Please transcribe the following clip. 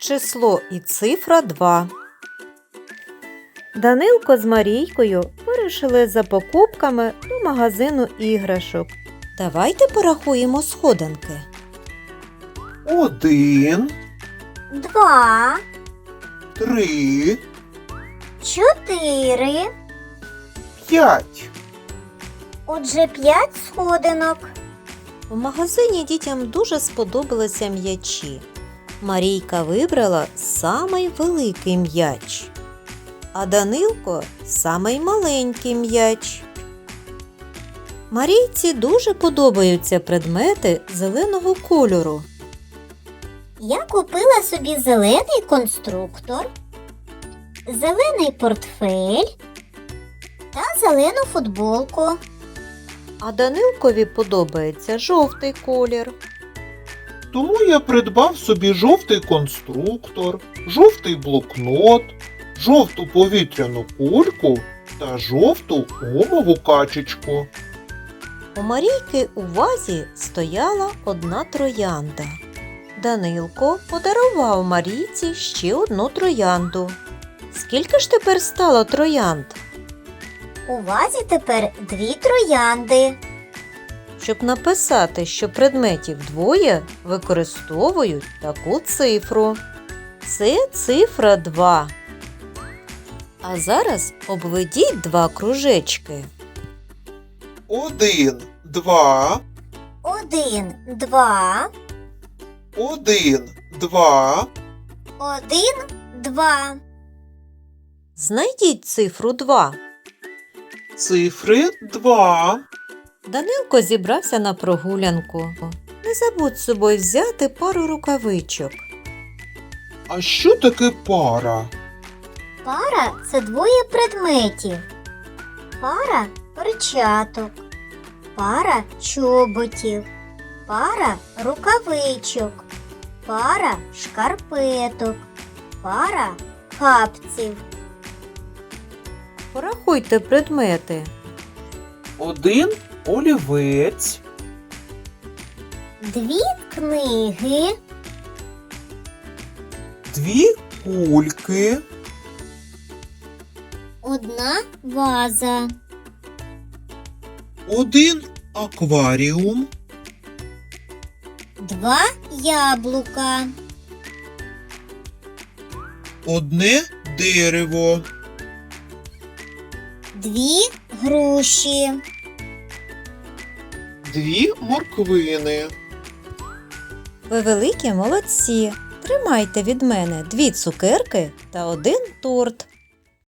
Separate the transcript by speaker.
Speaker 1: число і цифра 2. Данилко з Марійкою вирушили за покупками до магазину іграшок. Давайте порахуємо сходинки.
Speaker 2: 1,
Speaker 3: 2,
Speaker 2: 3,
Speaker 3: 4.
Speaker 2: 5.
Speaker 3: Отже, 5 сходинок.
Speaker 1: В магазині дітям дуже сподобалися м'ячі. Марійка вибрала самий великий м'яч, а Данилко – самий маленький м'яч. Марійці дуже подобаються предмети зеленого кольору.
Speaker 3: Я купила собі зелений конструктор, зелений портфель та зелену футболку.
Speaker 1: А Данилкові подобається жовтий колір.
Speaker 2: Тому я придбав собі жовтий конструктор, жовтий блокнот, жовту повітряну кульку та жовту гумову качечку.
Speaker 1: У Марійки у вазі стояла одна троянда. Данилко подарував Марійці ще одну троянду. Скільки ж тепер стало троянд?
Speaker 3: У вазі тепер 2 троянди.
Speaker 1: Щоб написати, що предметів двоє, використовують таку цифру. Це цифра 2. А зараз обведіть 2 кружечки.
Speaker 2: 1, 2,
Speaker 3: 1, 2,
Speaker 2: 1, 2,
Speaker 3: 1, 2.
Speaker 1: Знайдіть цифру 2.
Speaker 2: цифри 2.
Speaker 1: Данилко зібрався на прогулянку. Не забудь з собою взяти пару рукавичок.
Speaker 2: А що таке пара?
Speaker 3: Пара – це 2 предметів. Пара перчаток, пара чоботів, пара рукавичок, пара шкарпеток, пара капців.
Speaker 1: Порахуйте предмети.
Speaker 2: 1 олівець,
Speaker 3: 2 книги,
Speaker 2: 2 кульки,
Speaker 3: 1 ваза,
Speaker 2: 1 акваріум,
Speaker 3: 2 яблука,
Speaker 2: 1 дерево,
Speaker 3: 2 груші.
Speaker 2: 2 морквини.
Speaker 1: Ви великі молодці. Тримайте від мене 2 цукерки та 1 торт.